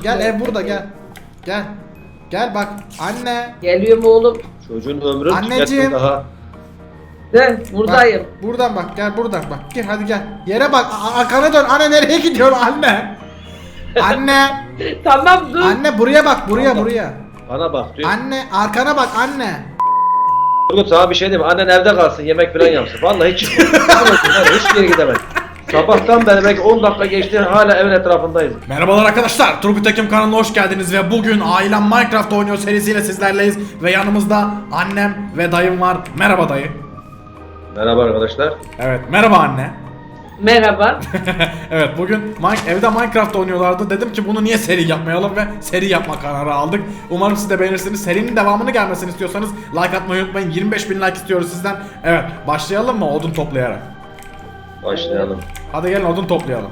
Gel ev burada gel. Gel. Gel bak anne. Geliyorum oğlum. Çocuğun ömrü Anneciğim. tüketti daha. Ben buradayım. Bak, buradan bak gel buradan bak. Gel hadi gel. Yere bak arkana dön. Anne nereye gidiyorsun anne? Anne. Tamam dur. Anne buraya bak buraya. Bana bak diyor. Anne arkana bak anne. Turgut sana bir şey diyeyim mi? Annen evde kalsın yemek falan yapsın. Vallahi hiç çıkmadı. Hiçbir yere gidemez. Sabahtan beri belki 10 dakika geçti hala evin etrafındayız. Merhabalar arkadaşlar, Turgut Ekim kanalına hoş geldiniz ve bugün Ailem Minecraft oynuyor serisiyle sizlerleyiz ve yanımızda annem ve dayım var. Merhaba dayı. Merhaba arkadaşlar. Evet, merhaba anne. Merhaba. Evet, bugün evde Minecraft oynuyorlardı. Dedim ki bunu niye seri yapmayalım ve seri yapma kararı aldık. Umarım siz de beğenirsiniz. Serinin devamını gelmesini istiyorsanız like atmayı unutmayın. 25.000 like istiyoruz sizden. Evet, başlayalım mı odun toplayarak? Başlayalım. Hadi gelin odun toplayalım.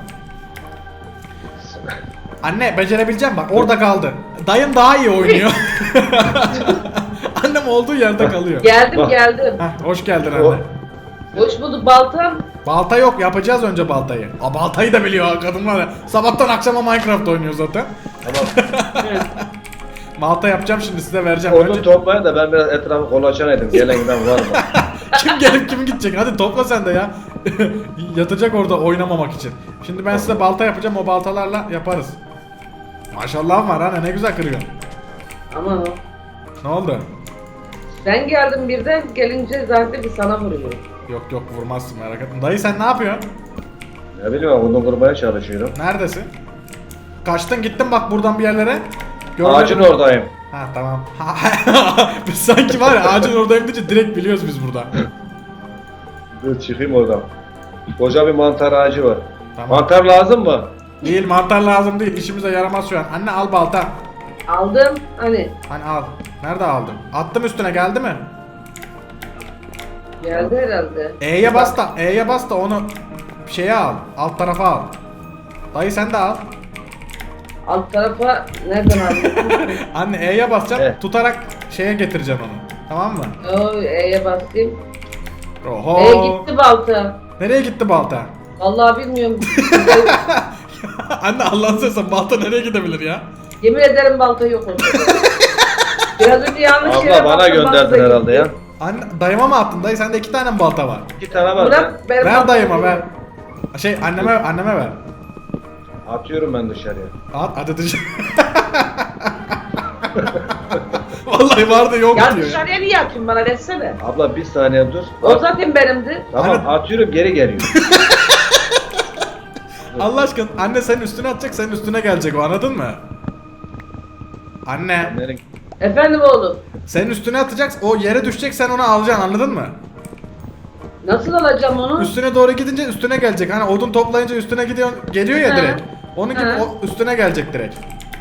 Anne becerebileceğim bak orada kaldı. Dayım daha iyi oynuyor. Annem olduğu yerde kalıyor. Geldim geldim. Heh, hoş geldin anne. Hoş bulduk baltam. Balta yok yapacağız önce baltayı. Aa, baltayı da biliyor ha kadın var ya. Sabahtan akşama Minecraft oynuyor zaten. Tamam. Balta yapacağım şimdi size vereceğim. Odun Önce... toplayın da ben biraz etrafı kolaçan edeyim. Gelen giden var mı? Kim gelip kim gidecek? Hadi topla sen de ya. Yatacak orada oynamamak için. Şimdi ben size balta yapacağım o baltalarla yaparız. Maşallah var anne ne güzel kırıyor. Ama Ne oldu? sen geldin birden gelince zaten bir sana vuruyor. Yok vurmazsın merak etme. Dayı sen ne yapıyorsun? Ne bileyim odun kurmaya çalışıyorum. Neredesin? Kaçtın gittin bak buradan bir yerlere. Ağacın mi? oradayım. Ha tamam. Biz sanki var ya ağacın oradayım deyince direkt biliyoruz biz burada. Dur çıkayım oradan. Koca bir mantar ağacı var. Tamam. Mantar lazım mı? Değil mantar lazım değil işimize yaramaz şu an. Anne al balta. Aldım hani. Hani al. Nerede aldın? Attım üstüne geldi mi? Geldi herhalde. E'ye bas da onu şeye al. Alt tarafa al. Dayı sen de al. Alt tarafa nereden aldın? Anne E'ye basacaksın. Evet. Tutarak şeye getireceksin onu. Tamam mı? E'ye basayım. Oho. Gitti balta. Nereye gitti balta? Vallahi bilmiyorum. Anne Allah'ını seversen balta nereye gidebilir ya? Yemin ederim balta yok orada. Biraz önce yanlış yere Abla bana baktım, gönderdin balta herhalde ya. gitti. Anne dayıma mı attın? Dayı sende 2 tane mi balta var? 2 tane var. Bırak ben Ver baltayı dayıma ver. vereyim. Anneme ver. Atıyorum ben dışarıya. At hadi dışarı. Vallahi vardı yok Ya diyor. dışarıya niye atıyorsun bana versene. Abla bir saniye dur. O zaten benimdi. Tamam Anne- atıyorum geri geliyor. Allah aşkına anne senin üstüne atacak senin üstüne gelecek o anladın mı? Anne Nereye? Efendim oğlum. senin üstüne atacak o yere düşecek sen onu alacaksın anladın mı? Nasıl alacağım onu? Üstüne doğru gidince üstüne gelecek hani odun toplayınca üstüne geliyor ya He. direkt. Onun gibi He. o üstüne gelecek direkt.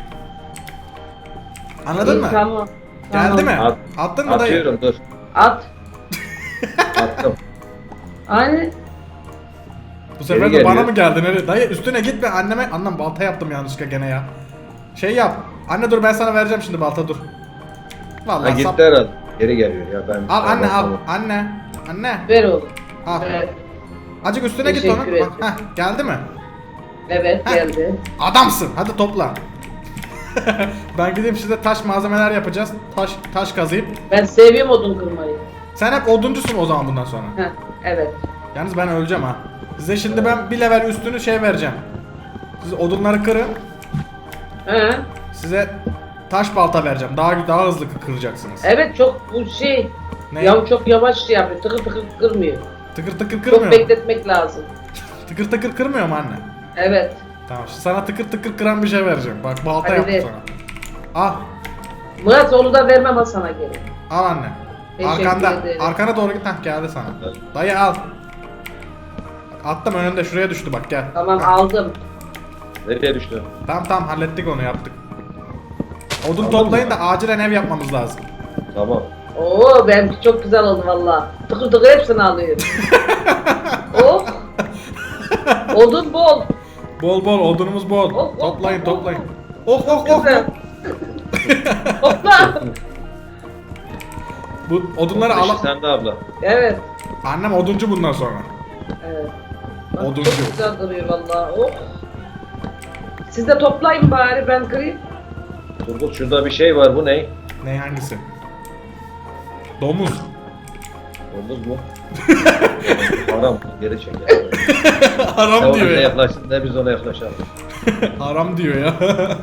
Anladın İyi, mı? Tamam. Geldi mi? At- Attın mı dayı? Atıyorum dur. At. Attım. Hani Bu sefer Geri de bana geliyor. mı geldin öyle? Dayı üstüne gitme anneme. Annem balta yaptım yanlışlıkla gene ya. Şey yap. Anne dur ben sana vereceğim şimdi balta dur. Ha Vallahi gitti sap. herhalde. Geri geliyor ya ben. Al anne al. Tamam. Anne. Anne. ver oğlum. Al. Evet. Acık üstüne git Teşekkür onun. ederim. Bak, geldi mi? Evet Heh. geldi. Adamsın. Hadi topla. Ben gideyim size taş malzemeler yapacağız. Taş kazıyıp. Ben seviyorum odun kırmayı. Sen hep oduncusun o zaman bundan sonra. Heh, evet. Yalnız ben öleceğim ha. Size şimdi ben bir level üstünü şey vereceğim. Siz odunları kırın. He. Size taş balta vereceğim. Daha hızlı kıracaksınız. Evet çok bu şey. Ne? Ya çok yavaş şey yapıyor. Tıkır tıkır kırmıyor. Tıkır tıkır Çok kırmıyor. bekletmek lazım. Tıkır tıkır kırmıyor mu anne? Evet. Tamam şimdi sana tıkır tıkır kıran bir şey vereceğim. Bak balta Hadi yaptım ver. sana. Al. Murat onu da vermem ha sana geri. Al anne. Teşekkür Arkanda. ederim. Arkana doğru git. Hah geldi sana. Evet. Dayı al. Attım önünde şuraya düştü bak gel. Tamam Hah. aldım. Nereye düştü? Tamam hallettik onu yaptık. Odun Aldın toplayın mı? da acilen ev yapmamız lazım. Tamam. Oo benimki çok güzel oldu valla. Tıkır tıkır hepsini alıyorum. Oh. Odun bol. Bol odunumuz bol. Oh, oh, Toplayın oh, toplayın. oh. Oh. Güzel. Hopla. Bu odunları Işık al. sende abla. Evet. Annem oduncu bundan sonra. Evet. Bak, Oduncu. çok güzel duruyor valla. Oh. Siz de toplayın bari ben kırayım. Turgut şurada bir şey var, bu ne? Ne hangisi? Domuz. Domuz mu? Haram, geri çek ya. Ne Haram ona diyor ya. yaklaşsın ne biz ona yaklaşalım. Haram diyor ya.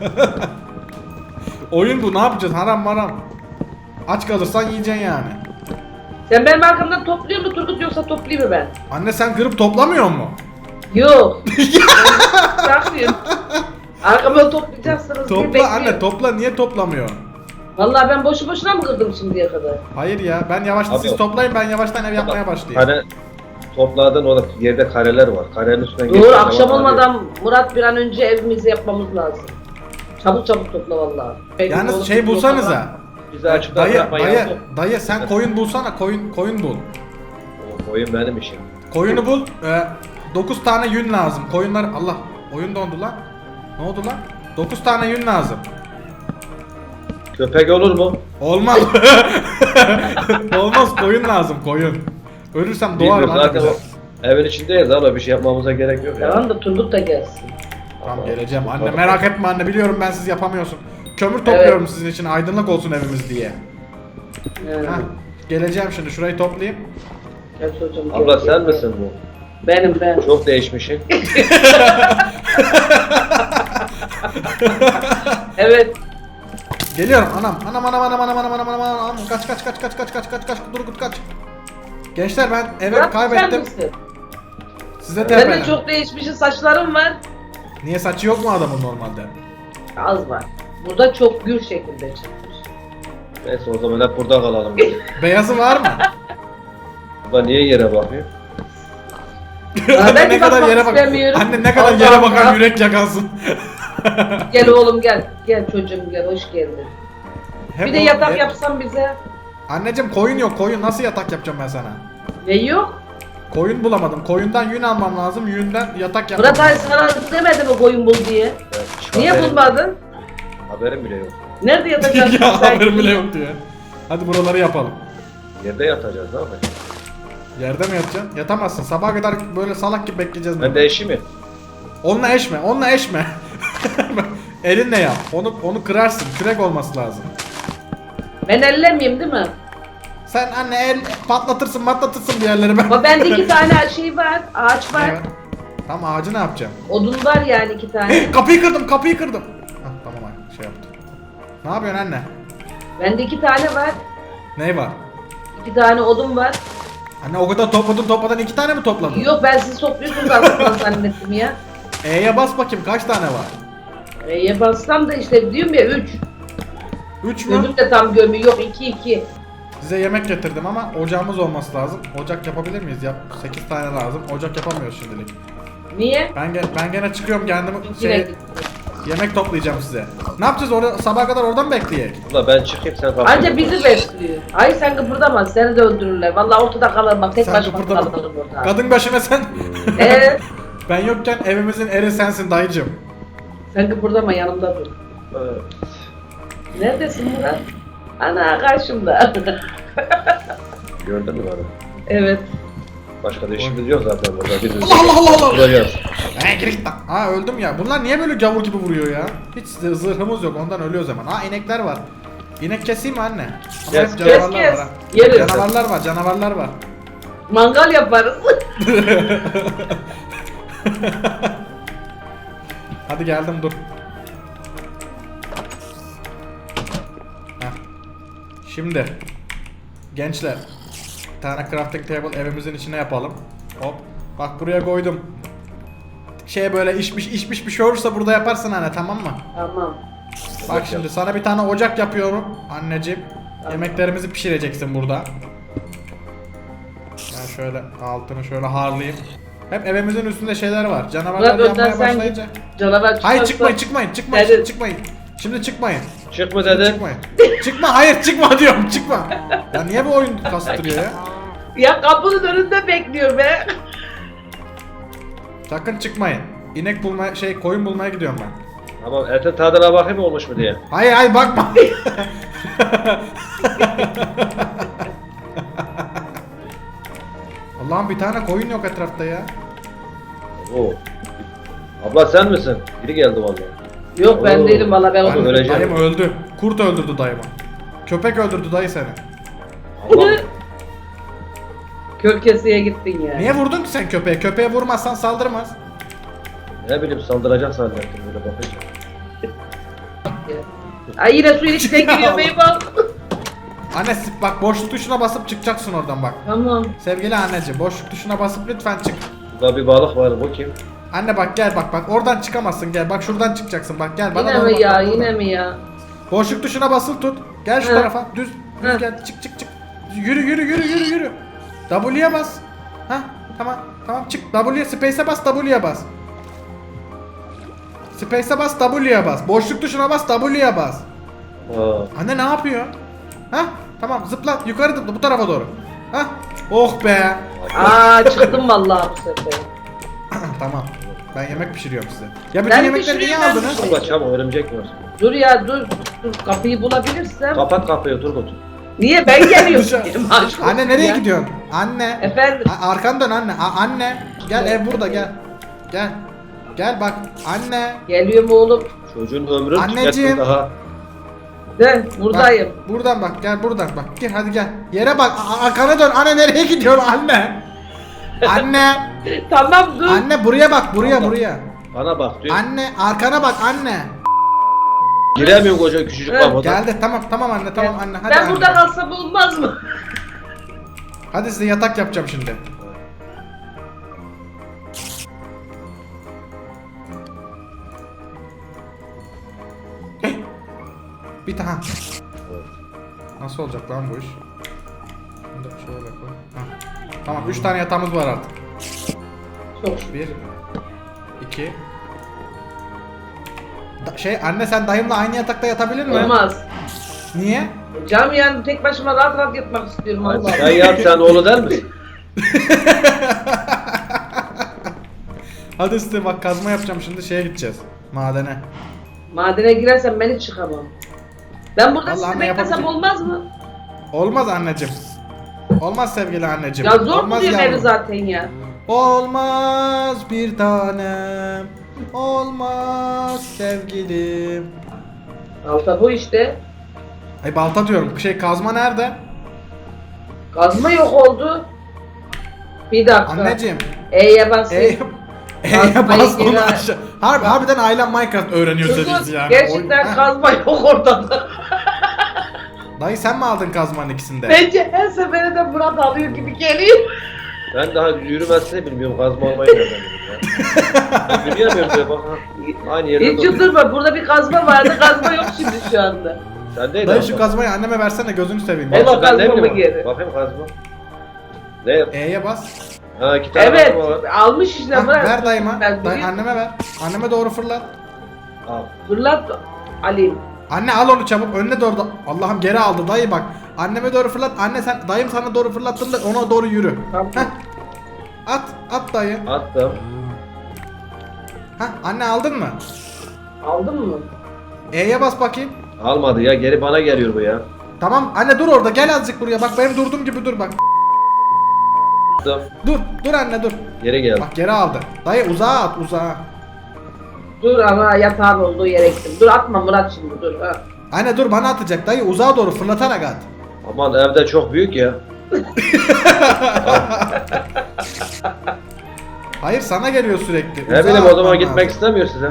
Oyun bu, ne yapacağız? Haram maram. Aç kalırsan yiyeceksin yani. Sen benim arkamdan topluyor mu Turgut yoksa toplayayım mı ben? Anne sen kırıp toplamıyor mu? Yok. Bırakmıyorum. Arkamdan toplayacaksınız diye Topla bekliyorum. anne, topla, niye toplamıyor? Vallahi ben boşu boşuna mı kırdım şimdiye kadar? Hayır ya, ben yavaştan Abi siz yok. toplayın, ben yavaştan ev yapmaya başlayayım. Hani topladın orada yerde kareler var. Karenin üstünden Doğru, geçtiğin akşam zaman olmadan Murat bir an önce evimizi yapmamız lazım. Çabuk çabuk topla vallahi. Peki, oğlum, Yalnız şey bulsanıza. bizi açıkta Dayı, bırakma ya. dayı sen koyun bulsana, koyun bul. O oyun benim işim. Koyunu bul. 9 tane yün lazım. Koyunlar, Allah, oyun dondu lan. Ne oldu lan? 9 tane yün lazım. Köpek olur mu? Olmaz. Olmaz, koyun lazım, koyun. Ölürsem doğarım Bilmiyorum, zaten anne. o evin içindeyiz abi, bir şey yapmamıza gerek yok ya. Tamam da Turgut da gelsin. Tamam, geleceğim anne, merak etme anne, biliyorum ben siz yapamıyorsun. Kömür topluyorum sizin için, aydınlık olsun evimiz diye. Yani. Hah, geleceğim şimdi, şurayı toplayayım. Gel çocuğum, Abla gel, sen gel. misin bu? Ben. Çok değişmişsin. Evet. Geliyorum anam, kaç Turgut kaç. Gençler ben evi Murat, sen kaybettim. misin? Size Sen de tepelen. çok değişmişsin, saçların var. Niye, saçı yok mu adamın normalde? Az var. Burada çok gür şekilde çıkmış. Neyse o zaman hep burada kalalım. Beyazı var mı? Abla niye yere bakıyor? Bana ben ne de kadar bakmak yere bak. istemiyorum. Anne ne kadar Allah yere bakan Allah. yürek yakansın. Gel oğlum gel. Gel çocuğum gel, hoş geldin. Hep Bir de o- yatak hep- yapsan bize. Anneciğim koyun yok, koyun nasıl yatak yapacağım ben sana? Ne yok? Koyun bulamadım. Koyundan yün almam lazım. Yünden yatak yapmam Murat lazım. abi sana demedi mi koyun bul diye? Ya, hiç Niye haberim- bulmadın? Haberim bile yok. Nerede yatacaksın? ya sen? haberim bile yok diyor. Hadi buraları yapalım. Yerde yatacağız değil mi? Yerde mi yatacaksın? Yatamazsın. Sabaha kadar böyle salak gibi bekleyeceğiz. Ben de eşi mi? Onunla eşme, onunla eşme. Elinle yap. Onu kırarsın. Kürek olması lazım. Ben ellemeyeyim değil mi? Sen anne el patlatırsın bir yerleri ben. Ama bende 2 tane şey var, ağaç var. Evet. Tamam, ağacı ne yapacağım? Odun var yani 2 tane. Kapıyı kırdım. Hah, tamam ay, şey yaptım. Ne yapıyorsun anne? Bende 2 tane var. Ne var? 2 tane odun var. Anne o kadar topladan 2 tane mi topladın? Yok ben siz topluyorsunuz aslında zannettim ya. E'ye bas bakayım, kaç tane var? E'ye bassam da işte diyorum ya 3. 3 mü? Gözüm de tam gömü yok 2. Size yemek getirdim ama ocağımız olması lazım. Ocak yapabilir miyiz? 8 tane lazım. Ocak yapamıyoruz şimdilik. Niye? Ben gene çıkıyorum kendimi Yine şey yemek toplayacağım size. Ne yapacağız orada, sabaha kadar oradan bekleyek? Abla ben çıkayım sen kalk. Anca bizi besliyor. Ay sen kıpırdama seni de öldürürler. Vallahi ortada kalır bak tek Sen başıma kıpırdama. kalırım orada. Kadın başına sen. Evet. Ben yokken evimizin eri sensin dayıcım. Sen kıpırdama yanımda dur. Evet. Neredesin Murat? Ana karşımda. Gördün mü bana? Evet. Başka da işimiz yok zaten burada. Biz Allah! Duracağız. Gir git lan. Aa, öldüm ya. Bunlar niye böyle gavur gibi vuruyor ya? Hiç zırhımız yok, ondan ölüyoruz hemen. Aa, inekler var. İnek keseyim mi anne? Ama Kes, hep kes, canavarlar kes. var ha. Yeriz. Canavarlar var. Mangal yaparız. Hadi geldim, dur. Heh. Şimdi gençler, bir tane crafting table evimizin içine yapalım. Hop. Bak buraya koydum. Şey böyle içmiş bir şey olursa burada yaparsın anne, tamam mı? Tamam. Bak şimdi sana bir tane ocak yapıyorum anneciğim. Tamam. Yemeklerimizi pişireceksin burada. Ben şöyle altını şöyle harlayayım. Hep evimizin üstünde şeyler var. Canavarlar Murat önden yanmaya sen başlayınca. git. Canavar çıkarsa... Hayır, çıkmayın. Hadi. Şimdi çıkmayın. Çık mı dedi? Çıkmayın. Çıkma, hayır çıkma diyorum, çıkma. Ya niye bu oyun kastırıyor ya? Ya kapının önünde bekliyor be. Sakın çıkmayın. İnek bulmaya, koyun bulmaya gidiyorum ben. Tamam, etin tadına bakayım olmuş mu diye. Hayır bakma. Allah'ım, bir tane koyun yok etrafta ya. Oo. Abla sen misin? Biri geldi vallahi. Yok ben Oo. değilim valla ben Abi, onu. öleceğim. Dayım öldü. Kurt öldürdü dayımı. Köpek öldürdü dayı seni. Allah. Kör keseye gittin ya. Niye vurdun ki sen köpeğe? Köpeğe vurmazsan saldırmaz. Ne bileyim saldıracak zannettim böyle bakınca. Ay yine suyun içine giriyor beyban. Anne bak boşluk tuşuna basıp çıkacaksın oradan bak. Tamam. Sevgili anneciğim boşluk tuşuna basıp lütfen çık. Burada bir balık var, bu kim? Anne bak gel bak oradan çıkamazsın gel bak şuradan çıkacaksın bak gel bana Yine doğru mi bak, ya bak buradan. yine mi ya? Boşluk tuşuna basılı tut. Gel şu Hı. tarafa düz Hı. gel çık. Yürü. W'ye bas. Ha tamam çık W'ye space'e bas W'ye bas. Space'e bas W'ye bas. Boşluk tuşuna bas W'ye bas. Aa. Anne ne yapıyor? Ha tamam zıpla yukarı zıpla bu tarafa doğru. Ha oh be. Aa çıktım vallahi bu sefer. Tamam. Ben yemek pişiriyorum size. Ya bütün Ben yemekleri niye pişiriyorum, ben aldınız? Allah çabuk, örümcek var. Dur ya dur kapıyı bulabilirsem. Kapat kapıyı Turgut. Niye ben geliyorum? Dışarı- Aşk Anne olsun nereye ya. gidiyorsun? Anne. Efendim. Arkanı dön anne. Anne. Gel ev burada gel. Gel. Gel bak. Anne. Geliyorum oğlum. Çocuğun ömrü Anneciğim. tüketti daha. De buradayım. Bak, buradan bak gel buradan bak. Gel hadi gel. Yere bak. Arkana dön. Anne nereye gidiyorsun anne? Anne. Tamam dur. Anne buraya bak buraya. Bana bak diyor. Anne arkana bak anne. Giremiyorum koca küçücük Evet, kafada. Geldi tamam anne tamam anne hadi ben anne. burada kalsam olmaz mı? Hadi size yatak yapacağım şimdi. Bir tane. Nasıl olacak lan bu iş? Bunu da şöyle koy. Ha. Tamam 3 tane yatağımız var artık. Çok şükür. 1 2 anne sen dayımla aynı yatakta yatabilir mi? Olmaz. Niye? Canım yani tek başıma rahat rahat yatmak istiyorum Hadi Allah. sen yap, sen oğlu der misin? Hadi size bak kazma yapacağım şimdi şeye gideceğiz. Madene. Madene girersem ben hiç çıkamam. Ben burada Vallahi sizi anne beklesem yapabilecek- olmaz mı? Olmaz anneciğim. Olmaz sevgili anneciğim. Ya zor Olmaz buluyorum evi yavrum. zaten ya. Olmaz bir tanem. Olmaz sevgilim. Alta bu işte. Ay balta diyorum. Kazma nerede? Kazma yok oldu. Bir dakika. Anneciğim. E'ye basayım. E'ye Kazmayı bas onu geri al. aşağı. Harbiden ailem Minecraft öğreniyor Kızım, siz yani. gerçekten Ha. kazma yok ortada. Dayı sen mi aldın kazmanın ikisinde? Bence her seferinde Murat alıyor gibi geliyor. Ben daha yürümesini bilmiyorum, kazma olmayı nereden bileyim ya. Ben yürüyemiyorum diyor bak ha. Aynı yerde Hiç çıldırma, burada bir kazma vardı, kazma yok şimdi şu anda. Sendeydi Dayı abla. şu kazmayı anneme versene gözünü seveyim. Evet. ya. Kazma Ben ne mı bileyim, geri? bakayım kazma. Ne? E'ye bas. Ha, 2 tane Evet, kazma var. almış işte Ha, Murat. ver dayıma. Ben Dayı, bileyim. anneme ver. Anneme doğru fırlat. Al. Fırlat alayım. Anne al onu çabuk önüne doğru. Allah'ım geri aldı dayı bak. Anneme doğru fırlat. Anne sen dayım sana doğru fırlattığında ona doğru yürü. Tamam. Heh. At dayı. Attım. Heh, anne aldın mı? Aldın mı? E'ye bas bakayım. Almadı ya, geri bana geliyor bu ya. Tamam anne dur orada gel azıcık buraya bak benim durduğum gibi dur bak. Attım. Dur anne dur. Geri geldi. Bak geri aldı. Dayı uzağa at uzağa. Dur ama yatağın olduğu yere gittim. Dur atma Murat şimdi dur. Ha. Anne dur bana atacak dayı uzağa doğru fırlatarak at. Aman evde çok büyük ya. Hayır sana geliyor sürekli. Ne Uzağa bileyim, o zaman atman gitmek lazım. istemiyor size.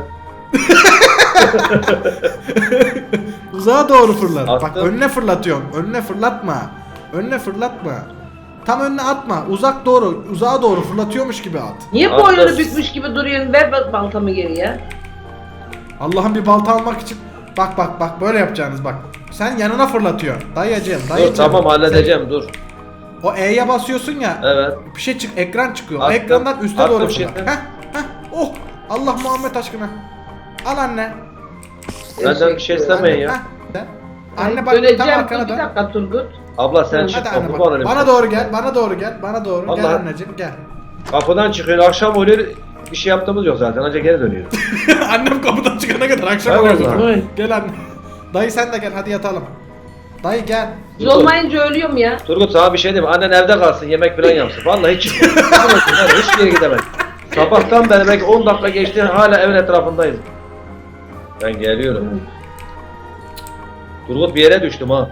Uzağa doğru fırlat. Bak Attım. önüne fırlatıyorsun. Önüne fırlatma. Önüne fırlatma. Tam önüne atma. Uzağa doğru fırlatıyormuş gibi at. Niye Attım. boynunu bükmüş gibi duruyorsun? Ver bak baltamı geriye. Allah'ım bir balta almak için. Bak böyle yapacaksınız bak. Sen yanına fırlatıyorsun. Dayıcığım. Dur tamam, halledeceğim dur. O E'ye basıyorsun ya. Evet. Bir şey ekran çıkıyor. O Attım. ekrandan üste Attım doğru şimdi. fırlat. Heh. Oh. Allah Muhammed aşkına. Al anne. Benden bir şey istemeyin ya. Heh. Anne bak Döneceğim. tam Dur arkana bir dön. dakika Turgut. Abla sen çık, Hadi anne kapı bak. bana Bana doğru gel. Bana doğru gel. Gel Vallahi- anneciğim gel. Kapıdan çıkıyor, akşam oluyor, bir şey yaptığımız yok zaten, ancak geri dönüyor. Annem kapıdan çıkana kadar akşam Evet oluyor lan. zaten. Evet. Gel anne. Dayı sen de gel hadi yatalım. Dayı gel. Biz olmayınca ölüyorum ya. Turgut sana bir şey diyeyim, annen evde kalsın, yemek falan yapsın. Vallahi hiç hiçbir yere gidemez. Sabahtan beri belki 10 dakika geçti, hala evin etrafındayız. Ben geliyorum. Turgut bir yere düştüm ha.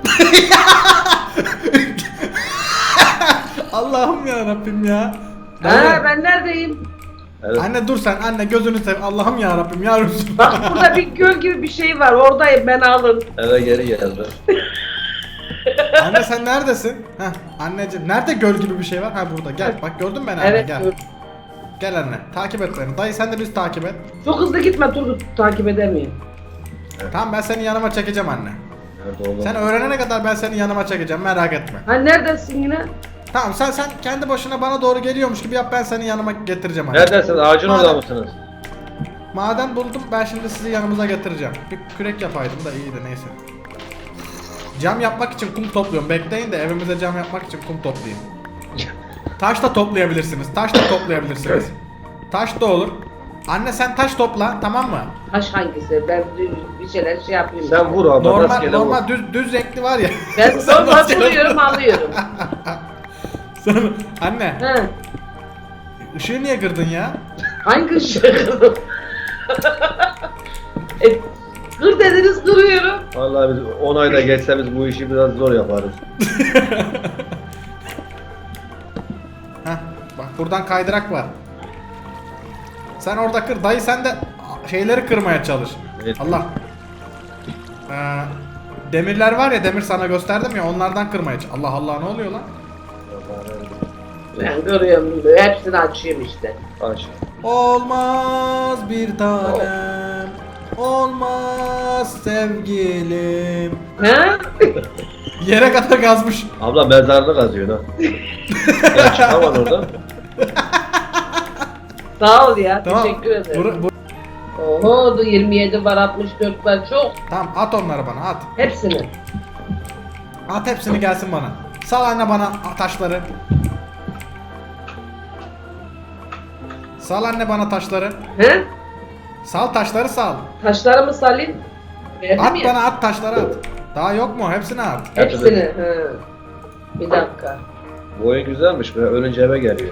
Allah'ım ya Rabbim ya. Ha ben neredeyim? Evet. Anne dur sen anne gözünü sev. Allah'ım ya Rabbim ya Resulallah. Bak burada bir göl gibi bir şey var. Oradayım, ben alın. Eve geri geldim. Anne sen neredesin? Heh anneciğim nerede göl gibi bir şey var? Ha burada gel. Bak gördün mü beni anne Evet. gel. dur. Gel anne takip et beni. Dayı sen de bizi takip et. Çok hızlı gitme Turgut, takip edemiyorum. Tamam ben seni yanıma çekeceğim anne. Nerede oğlum? Sen öğrenene kadar ben seni yanıma çekeceğim merak etme. Ha neredesin yine? Tamam sen kendi başına bana doğru geliyormuş gibi yap ben seni yanıma getireceğim anne. Neredesiniz? Ağacın orada Madem- mısınız? Maden buldum ben şimdi sizi yanımıza getireceğim. Bir kürek yapaydım da iyiydi neyse. Cam yapmak için kum topluyorum. Bekleyin de evimize cam yapmak için kum toplayayım. Taş da toplayabilirsiniz. Taş da toplayabilirsiniz. Taş da olur. Anne sen taş topla tamam mı? Taş hangisi? Ben bir şeyler şey yapayım. Sen vur abi. Normal rastgele vur. normal düz renkli var ya. Ben Sen normal rastgele- vuruyorum, alıyorum. Sen- anne Ha. ışığı niye kırdın ya? Hangi ışığı kırdım? Kır dediniz, kırıyorum. Vallahi biz 10 ayda geçse biz bu işi biraz zor yaparız. Heh, bak buradan kaydırak var. Sen orada kır. Dayı sen de şeyleri kırmaya çalış. Evet. Allah. Demirler var ya demir sana gösterdim ya onlardan kırmaya çalış. Allah Allah ne oluyor lan? Ben kırıyorum böyle. Hepsini açıyorum işte. Aç. Olmaz bir tanem. Olmaz sevgilim. Ha? Yere kadar kazmış. Abla mezarını kazıyor ha. Ya çıkaman oradan. Sağ ol ya. Tamam. Teşekkür ederim. Bur- Oho, 27 var, 64 var, çok. tamam at onları bana at. Hepsini. At hepsini gelsin bana. Sal anne bana taşları. Sal anne bana taşları. He? Sal taşları sal. Taşlarımı salayım. Verdim At ya. bana at taşları at. Daha yok mu? Hepsini at. Hepsini. He. Bir dakika. Bu oyun güzelmiş. Böyle ölünce eve geliyor.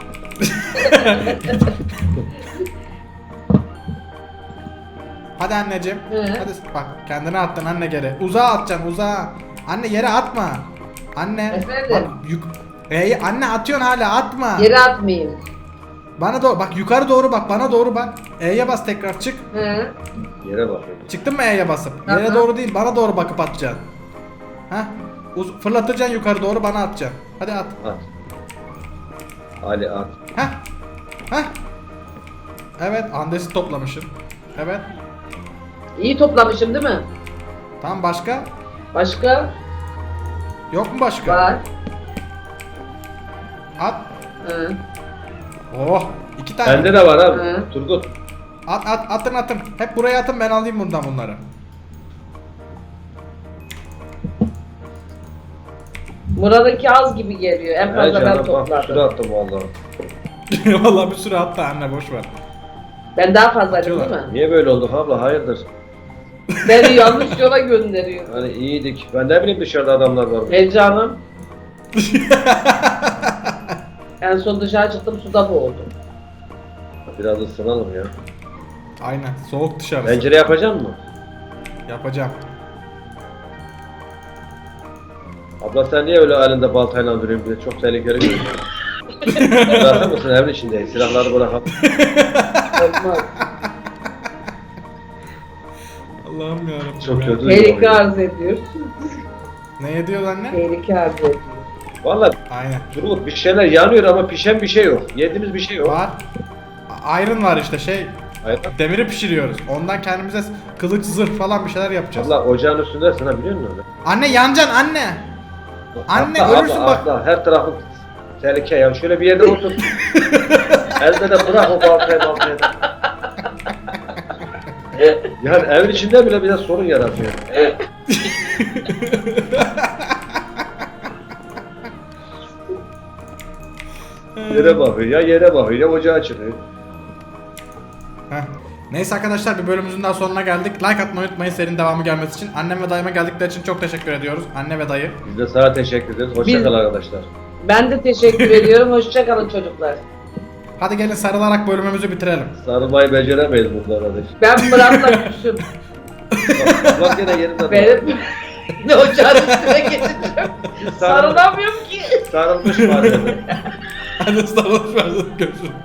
Hadi anneciğim. Hı. Hadi bak kendine attın anne geri. Uzağa atacaksın uzağa. Anne yere atma. Anne. Efendim? Bak, anne atıyorsun hala atma. Yere atmayayım. Bana doğru bak yukarı doğru bak bana doğru bak. E'ye bas tekrar çık. He. Yere bakıyorum. Çıktın mı E'ye basıp? Hı Yere hı. doğru değil bana doğru bakıp atacaksın. Heh. Fırlatacaksın yukarı doğru bana atacaksın. Hadi at. At. Ali at. Heh. Heh. Evet andesi toplamışsın. Evet. İyi toplamışım değil mi? Tamam başka? Başka? Yok mu başka? Var. At. Hı. Oh. 2 tane. Bende de var abi. Hı. Turgut. Atın. Hep buraya atın ben alayım bundan bunları. Murat'ınki az gibi geliyor. En He fazla ben canım bak şurada topladım. attım vallahi. Vallahi bir sürü attı anne boş ver. Ben daha fazlaydım değil mi? Niye böyle olduk abla? Hayırdır? Beni yanlış yola gönderiyor. Hani iyiydik. Ben ne bileyim dışarıda adamlar var. Heyecanım. En son dışarı çıktım, suda boğuldum. Biraz ısınalım ya. Aynen soğuk dışarısı. Pencere yapacak mı? Yapacağım. Abla sen niye öyle elinde baltayla duruyorsun? Bir de çok tehlikeli görünüyor. Bırakır mısın evin içindeyiz? Silahları bırakalım. Olmaz. Allah'ım yarabbim. Çok ya. kötü. Tehlike arz ediyor. Ne ediyor anne? Tehlike arz ediyor. Valla Aynen. Turgut bir şeyler yanıyor ama pişen bir şey yok. Yediğimiz bir şey yok. Var. Iron var işte Hayır. demiri pişiriyoruz. Ondan kendimize kılıç zırh falan bir şeyler yapacağız. Abla ocağın üstündesin ha biliyor musun öyle? Anne yanacaksın anne. Anne, Atla, ölürsün abla, bak. Atla. Her tarafı tehlike ya. Şöyle bir yerde otur. Elde de bırak o baltayı. Yani evin içinde bile biraz sorun yaratıyor. Yere bakıyor ya yere bakıyor ya ocağa çıkıyor. Heh. Neyse arkadaşlar bir bölümümüzün daha sonuna geldik. Like atmayı unutmayın serinin devamı gelmesi için. Annem ve dayıma geldikleri için çok teşekkür ediyoruz. Anne ve dayı. Biz de sana teşekkür ederiz. Hoşça Biz- kal arkadaşlar. Ben de teşekkür ediyorum. Hoşça kalın çocuklar. Hadi gelin sarılarak bölümümüzü bitirelim. Sarılmayı beceremeyiz burada kardeş. Ben Murat'la küsüm. Bak yine yerinde. Benim ne ocağın üstüne geçeceğim. Sarılamıyorum ki. Sarılmış var. Hadi sarılış versin görüşürüz.